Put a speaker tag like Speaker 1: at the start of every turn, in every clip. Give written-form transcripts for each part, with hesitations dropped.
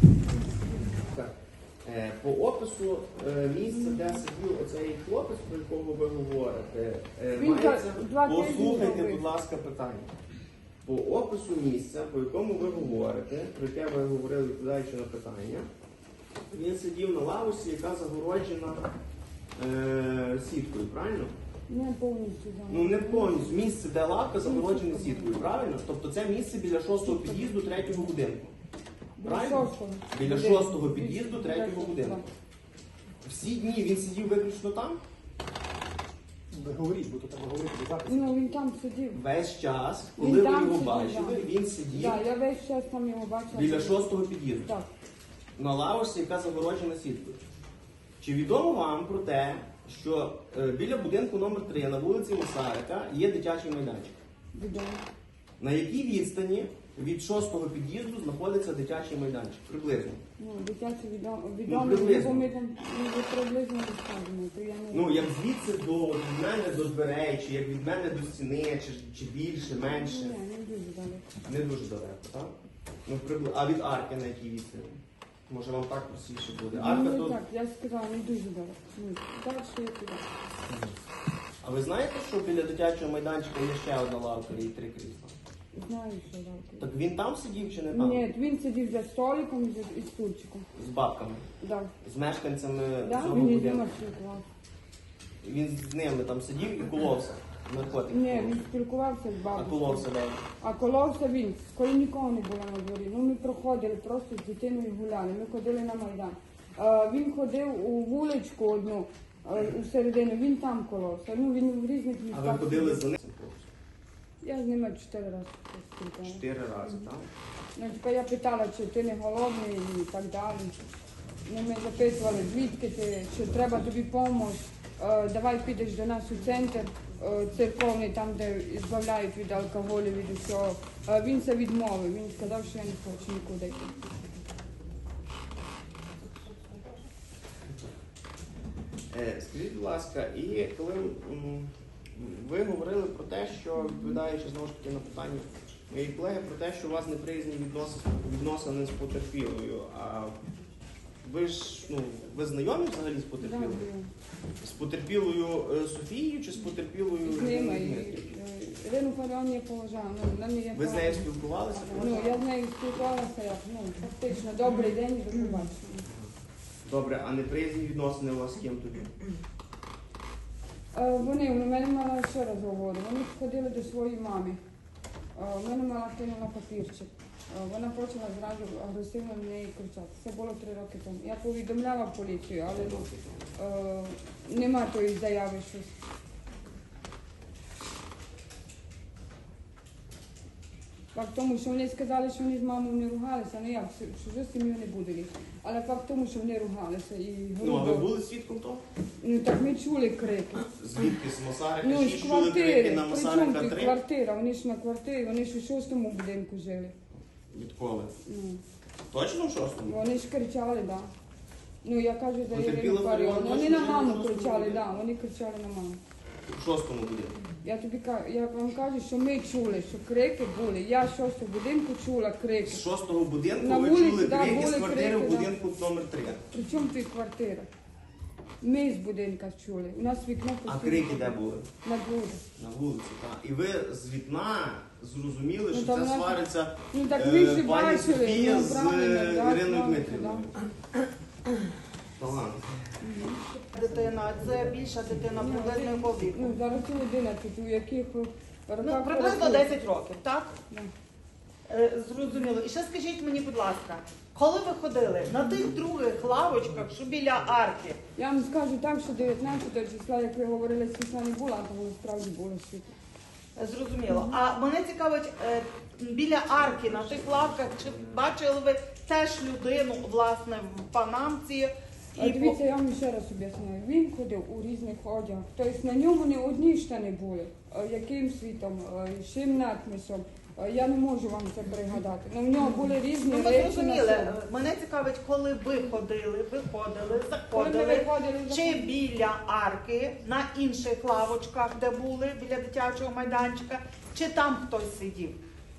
Speaker 1: По опису місця, де сидів оцей хлопець, про якого ви говорите, мається... Послухайте, будь ласка, питання. По опису місця, по якому ви говорите, про яке ви говорили, відповідаючи на питання, він сидів на лавочці, яка загороджена сіткою, правильно?
Speaker 2: Не повністю, так.
Speaker 1: Ну не повністю. Місце, де лавка загороджена сіткою, правильно? Тобто це місце біля 6-го під'їзду 3-го будинку. Правильно? Біля 6-го під'їзду 3-го будинку. Всі дні він сидів виключно там?
Speaker 3: Ви говоріть, бо то треба говорити до запису.
Speaker 2: Ну, він там сидів.
Speaker 1: Весь час, коли ви його бачили, він сидів
Speaker 2: Так, я весь час там його бачила.
Speaker 1: біля 6-го під'їзду.
Speaker 2: Так.
Speaker 1: На лавочці, яка загороджена сіткою. Чи відомо вам про те, що біля будинку номер 3 на вулиці Масарика є дитячий майданчик?
Speaker 2: Відомо.
Speaker 1: На якій відстані від 6-го під'їзду знаходиться дитячий майданчик? Приблизно.
Speaker 2: Ну, дитячий відомо,
Speaker 1: приблизно.
Speaker 2: бо ми там приблизно розказуємо. То я не...
Speaker 1: Ну, як звідси від мене до дверей, чи як від мене до стіни, чи більше, менше?
Speaker 2: Ні, не дуже далеко.
Speaker 1: Не дуже далеко, так? Ну, а від арки на якій відстані? Може вам так простіше буде? Арка
Speaker 2: Ну,
Speaker 1: то...
Speaker 2: так, я сказала, не дуже далеко. Ну, далі я туди.
Speaker 1: А ви знаєте, що біля дитячого майданчика є ще одна лавка і 3 крісла?
Speaker 2: Знаю, що далеко.
Speaker 1: Так він там сидів чи не там?
Speaker 2: Ні, він сидів за столиком і стульчиком.
Speaker 1: З бабками?
Speaker 2: Так.
Speaker 1: З мешканцями
Speaker 2: Да,
Speaker 1: цього
Speaker 2: він із
Speaker 1: будинку?
Speaker 2: ними спілкувався.
Speaker 1: Він з ними там сидів і коловся? Наркотики?
Speaker 2: Ні, він спілкувався з
Speaker 1: А
Speaker 2: бабусею.
Speaker 1: коловся, де?
Speaker 2: А коловся він, коли нікого не було на дворі. Ну, ми проходили, просто з дитиною гуляли, ми ходили на Майдан. Він ходив у вуличку одну, у середину, він там коловся. Ну, він в різних
Speaker 1: А
Speaker 2: містах.
Speaker 1: ви ходили за ним?
Speaker 2: Я з ними 4 рази спілкувалася.
Speaker 1: 4 рази, так?
Speaker 2: Ну, типа я питала, чи ти не голодний і так далі. Ну, ми запитували, звідки ти, чи треба тобі допомога, давай підеш до нас у центр церковний, там, де збавляють від алкоголю, від усього. Він це відмовив, він сказав, що я не хочу нікуди йти.
Speaker 1: Скажіть, будь ласка, і коли ви говорили про те, що, відповідаючи знову ж таки на питання моєї колеги, про те, що у вас неприязні відносини з потерпілою, а ви ж, ну, ви знайомі взагалі з потерпілою? З потерпілою Софією чи з потерпілою
Speaker 2: З ними. Ірину Фаріон я поважаю.
Speaker 1: Ви з нею спілкувалися?
Speaker 2: Ну, я з нею спілкувалася, як, ну, фактично, добрий день і до побачення.
Speaker 1: Добре, а неприязні відносини у вас з ким тоді?
Speaker 2: Вони, у мене мала ще раз говорю, вони ходили до своєї мами. У мене мала кинула папірчик. Вона почала зразу агресивно на неї кричати. Це було 3 роки тому. Я повідомляла поліцію, але нема тої заяви щось. Факт тому, що вони сказали, що вони з мамою не ругалися, ну як, чужу сім'ю не будуть. Але факт тому, що вони ругалися. І
Speaker 1: Ну, а ви були свідком того?
Speaker 2: Ну так ми чули крики.
Speaker 1: Звідки? З Масарика?
Speaker 2: Ну,
Speaker 1: Чи
Speaker 2: з
Speaker 1: чули крики
Speaker 2: квартири.
Speaker 1: на Масарика
Speaker 2: Причому
Speaker 1: 3?
Speaker 2: квартира? Вони ж на квартирі, вони ж у 6-му будинку жили.
Speaker 1: Відколи?
Speaker 2: Ну,
Speaker 1: Точно в 6-му?
Speaker 2: вони ж кричали, так. Да. Ну я кажу за
Speaker 1: Потерпіла
Speaker 2: Ірину Фаріон.
Speaker 1: Фаріон,
Speaker 2: Вони
Speaker 1: точно
Speaker 2: на
Speaker 1: жила в
Speaker 2: маму
Speaker 1: 6-му
Speaker 2: кричали,
Speaker 1: будинку?
Speaker 2: так, вони кричали на маму.
Speaker 1: В 6-му будинку.
Speaker 2: Я вам кажу, що ми чули, що крики були. Я з 6-го будинку чула крики.
Speaker 1: З 6-го будинку
Speaker 2: На
Speaker 1: ви
Speaker 2: вулиці,
Speaker 1: чули
Speaker 2: да,
Speaker 1: крики з
Speaker 2: були
Speaker 1: квартири
Speaker 2: крики,
Speaker 1: в
Speaker 2: да.
Speaker 1: будинку номер 3.
Speaker 2: Причому тут квартира? Ми з будинка чули. У нас вікно
Speaker 1: А
Speaker 2: постійно
Speaker 1: крики де були?
Speaker 2: на дворі.
Speaker 1: На вулиці, так. І ви з вікна зрозуміли,
Speaker 2: Ну,
Speaker 1: що
Speaker 2: там
Speaker 1: це
Speaker 2: у нас-
Speaker 1: свариться
Speaker 2: Ну так ви ж
Speaker 1: пані
Speaker 2: бачили,
Speaker 1: Софія
Speaker 2: ну
Speaker 1: з
Speaker 2: правильно, да,
Speaker 1: Іриною
Speaker 2: правильно,
Speaker 1: Дмитрівною. Талант.
Speaker 4: Дитина, це більша дитина приблизно якого віку?
Speaker 2: Ну, зараз 11, у яких роках...
Speaker 4: Ну, приблизно 10 років, так?
Speaker 2: Да.
Speaker 4: Зрозуміло. І ще скажіть мені, будь ласка, коли ви ходили на тих других лавочках, що біля арки,
Speaker 2: Я вам скажу так, що 19 числа, як ви говорили, світла не було, а тому справді було світло.
Speaker 4: зрозуміло. А мене цікавить, біля арки на тих лавках, чи бачили ви теж людину, власне, в панамці?
Speaker 2: Дивіться, я вам ще раз об'ясняю. Він ходив у різних одягах. Тобто на ньому не одні штани були. Яким світом, чим надписом. Я не можу вам це пригадати. Ну, в нього були різні
Speaker 4: Ну, ми
Speaker 2: речі на
Speaker 4: зрозуміли.
Speaker 2: собі.
Speaker 4: Мене цікавить, коли ви ходили, виходили,
Speaker 2: Коли ми
Speaker 4: заходили,
Speaker 2: виходили,
Speaker 4: чи біля арки, на інших лавочках, де були, біля дитячого майданчика, чи там хтось сидів?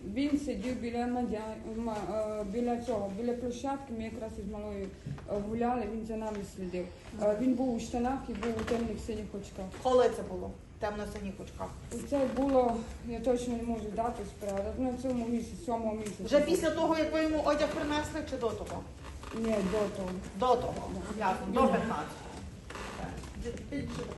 Speaker 2: Він сидів біля цього, біля площадки, ми якраз із малою гуляли, він за нами слідив. Він був у штанах і був у темних синіх очках.
Speaker 4: Коли це було? Темно-синіх очках.
Speaker 2: І це було, я точно не можу дати справу, на цьому місяці, 7-му місяці.
Speaker 4: Вже після того, як ви йому одяг принесли, чи до того?
Speaker 2: Ні, до того.
Speaker 4: До того. Ясно, до 15-го.